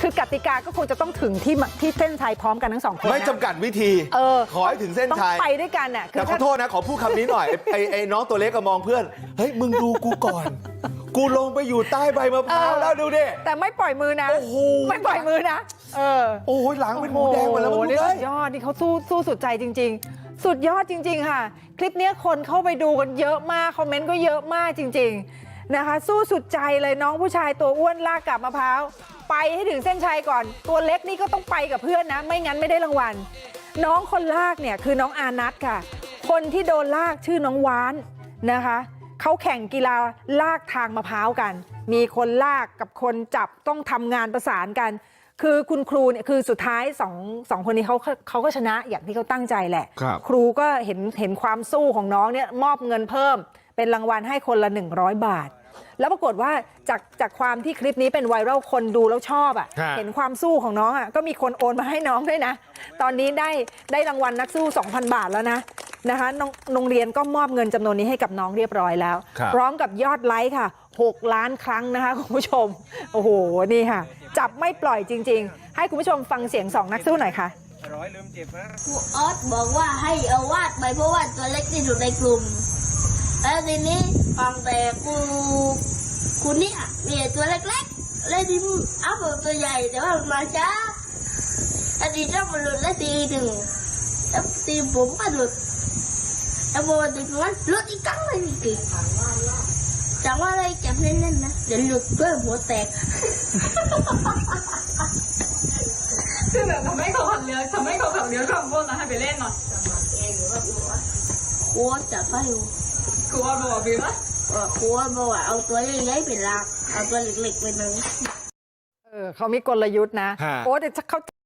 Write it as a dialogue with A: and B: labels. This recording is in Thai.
A: คือกติกาก็คงจะต้องถึงที่เส้นชัยพร้อมกันทั้งสองคน
B: ไม่จำกัดวิธีขอให้ถึงเส้นชัย
A: ต้องไปด้วยกันน่ะ
B: แต่ขอโทษนะขอพูดคำนี้หน่อยไอ้น้องตัวเล็กก็มองเพื่อนเฮ้ยมึงดูกูก่อนกูลงไปอยู่ใต้ใบมะพร้าวแล้วดูดิ
A: แต่ไม่ปล่อยมือนะไม่ปล่อยมือนะ
B: โอ้ยหลังเป็นหมูแดงหมดแล้วมึงดูเลย
A: สุดยอดนี่เขาสู้สุดใจจริงๆสุดยอดจริงๆค่ะคลิปนี้คนเข้าไปดูกันเยอะมากคอมเมนต์ก็เยอะมากจริงๆนะคะสู้สุดใจเลยน้องผู้ชายตัวอ้วนลากกับมะพร้าวไปให้ถึงเส้นชัยก่อนตัวเล็กนี่ก็ต้องไปกับเพื่อนนะไม่งั้นไม่ได้รางวัลน้องคนลากเนี่ยคือน้องอานัทค่ะคนที่โดนลากชื่อน้องว้านนะคะเขาแข่งกีฬาลากทางมะพร้าวกันมีคนลากกับคนจับต้องทำงานประสานกันคือคุณครูเนี่ยคือสุดท้ายสองคนนี้เขาก็ชนะอย่างที่เขาตั้งใจแหละครูก็เห็นความสู้ของน้องเนี่ยมอบเงินเพิ่มเป็นรางวัลให้คนละ100 บาทแล้วปรากฏว่าจากความที่คลิปนี้เป็นไวรัลคนดูแล้วชอบเห็นความสู้ของน้องก็มีคนโอนมาให้น้องด้วยนะตอนนี้ได้รางวัลนักสู้ 2,000 บาทแล้วนะคะโรงเรียนก็มอบเงินจำนวนนี้ให้กับน้องเรียบร้อยแล้วพร้อมกับยอดไลค์ค่ะ6 ล้านครั้งนะคะคุณผู้ชมโอ้โหนี่ค่ะจับไม่ปล่อยจริงๆให้คุณผู้ชมฟังเสียง2 นักสู้หน่อยค่ะ
C: ครูออสบอกว่าให้เอาวาดไปเพราะว่าตัวเล็กที่สุดในกลุ่มแล้วทีนี้ฟังแต่คุณเนี่ยมีตัวเล็กๆเลยที่เอาตัวใหญ่แต่ว่ามันมาช้าแล้วทีนี้มันหลุดแล้วทีหนึ่งแล้วทีผมก็หลุดแล้วพอทีนั้นหลุดอีกครั้งเลยนี่กี่จังว่าอะไรจับเล่นๆนะเดี๋ยวหลุดด้วยหัวแตก
D: คือแบบทำให้เขาขับเรือขับวนแล้วให้ไปเล่นหน่อย
C: ครูจับไปอยู่
D: ครูว่าบอกพี่ปะ
C: ครูบอกว่าเอาตัวใหญ่ๆเป็นหลักเอาตัวเล็กๆเป็นหนึ่ง
A: เขามีกลยุทธ์นะโอ้แต่เขา